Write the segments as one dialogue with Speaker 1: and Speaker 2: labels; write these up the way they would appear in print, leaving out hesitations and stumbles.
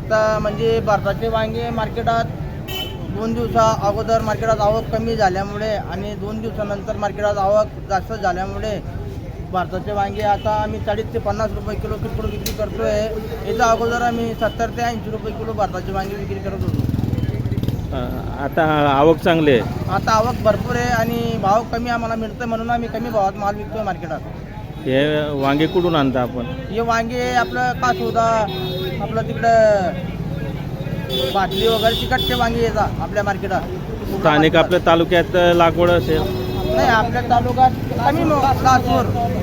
Speaker 1: आता म्हणजे भारताचे वांगे मार्केटात 2 दिवसा अगोदर मार्केटात आवक कमी झाल्यामुळे आणि 2 दिवसानंतर मार्केटात आवक जास्त झाल्यामुळे भारताचे वांगे आता आम्ही 40 ते 50 रुपये किलो किरकोळ विक्री करतो आहे. याच्या अगोदर आम्ही 70 ते 80 रुपये किलो भारताचे वांगे विक्री करत होतो.
Speaker 2: आता आवक चांगली आहे.
Speaker 1: आता आवक भरपूर आहे आणि भाव कमी आम्हाला मिळतो म्हणून आम्ही कमी भावात माल विकतो मार्केटात.
Speaker 2: हे वांगे कुठून आणता आपण?
Speaker 1: हे वांगे आपलं कासोदा आपलं तिकडं बाटली वगैरे तिकडचे वांगे येतात आपल्या मार्केटात.
Speaker 2: स्थानिक आपल्या तालुक्यात लागवड असेल?
Speaker 1: नाही, आपल्या तालुक्यात कमी लासूर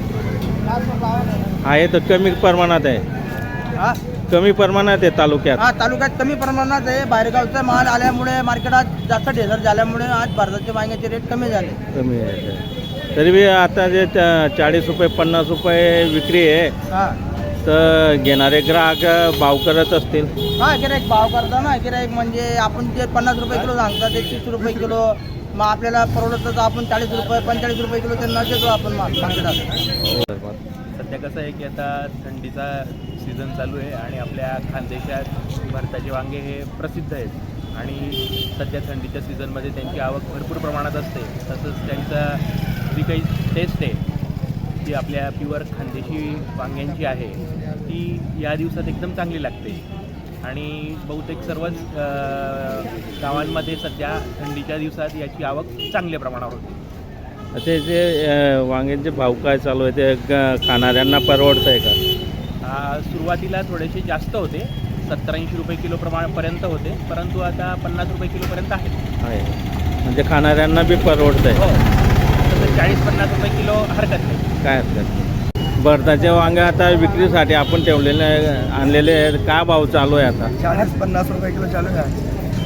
Speaker 2: आहे तर कमी प्रमाणात आहे.
Speaker 1: हा
Speaker 2: कमी प्रमाणात आहे तालुक्यात.
Speaker 1: हा तालुक्यात कमी प्रमाणात आहे. बाहेरगावचा माल आल्यामुळे मार्केटात जास्त ढेसर झाल्यामुळे आज भारताचे वांग्याचे रेट कमी झाले.
Speaker 2: कमी आहे तरी बी आता जे 40 रुपये 50 रुपये विक्री आहे
Speaker 1: हा
Speaker 2: तर घेणारे ग्राहक भाव करत असतील.
Speaker 1: हा गिराईक भाव करतो ना. गिराईक म्हणजे आपण जे 50 रुपये किलो सांगतात ते 30 रुपये किलो. मग आपल्याला परवडतं तर आपण 40 रुपये 45 रुपये किलो त्यांना देतो आपण माल मार्केटात.
Speaker 3: सध्या कसं आहे की आता थंडीचा सीझन चालू आहे आणि आपल्या खानदेशात भारताचे वांगे हे प्रसिद्ध आहेत आणि सध्या थंडीच्या सीझनमध्ये त्यांची आवक भरपूर प्रमाणात असते. तसंच त्यांचा जी काही टेस्ट आहे ती आपल्या प्युअर खानदेशी वांग्यांची आहे ती या दिवसात एकदम चांगली लागते आणि बहुतेक सर्वच गावांमध्ये सध्या थंडीच्या दिवसात याची आवक चांगल्या प्रमाणावर होते.
Speaker 2: ते जे वांग्यांचे भाव काय चालू आहे ते खाणाऱ्यांना परवडतं आहे का?
Speaker 3: सुरुवातीला थोडेसे जास्त होते, 70-80 रुपये किलो पर्यंत होते, परंतु आता 50 रुपये किलोपर्यंत आहे.
Speaker 2: म्हणजे खाणाऱ्यांना बी परवडतं आहे.
Speaker 3: हो, तसं 40-50 रुपये किलो हरकत नाही.
Speaker 2: काय हरकत नाही. भारताचे वांगे आता विक्रीसाठी आपण ठेवलेले आणलेले आहेत. काय भाव चालू आहे आता?
Speaker 1: 40-50 रुपये किलो चालू आहे.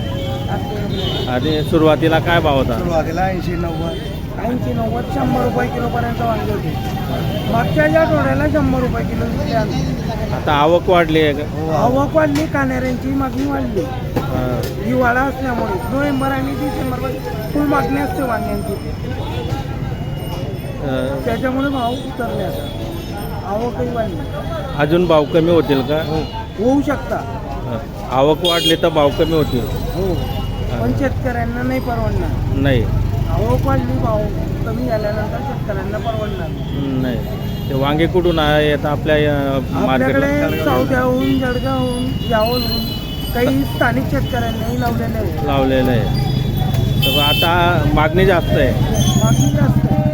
Speaker 2: आणि सुरुवातीला काय भाव होता?
Speaker 1: सुरुवातीला 80-90 100 रुपये किलोपर्यंत वांगे होते. मागच्या ज्या आठवड्याला 100 रुपये किलो विकले आम्ही.
Speaker 2: आता आवक वाढली आहे का?
Speaker 1: आवक वाढली, कान्हेऱ्यांची मागणी वाढली. हिवाळा असल्यामुळे नोव्हेंबर आणि डिसेंबरमध्ये फुल मागणी असते वांग्यांची. त्याच्यामुळे भाव उतरले. आता आवकही वाढली.
Speaker 2: अजून भाव कमी होतील का?
Speaker 1: होऊ शकता.
Speaker 2: आवक वाढली तर भाव कमी होतील.
Speaker 1: हो, पण शेतकऱ्यांना नाही परवडणार.
Speaker 2: नाही
Speaker 1: आवक वाढली, भाव कमी झाल्यानंतर शेतकऱ्यांना परवडणार
Speaker 2: नाही. ते वांगे कुठून येत आपल्या मार्केटला?
Speaker 1: आपल्याकडे सौद्याहून, जळगावहून, यावलहून काही स्थानिक शेतकऱ्यांनाही लावलेले आहे.
Speaker 2: लावलेलं आहे. तर आता मागणी जास्त आहे.
Speaker 1: मागणी जास्त आहे.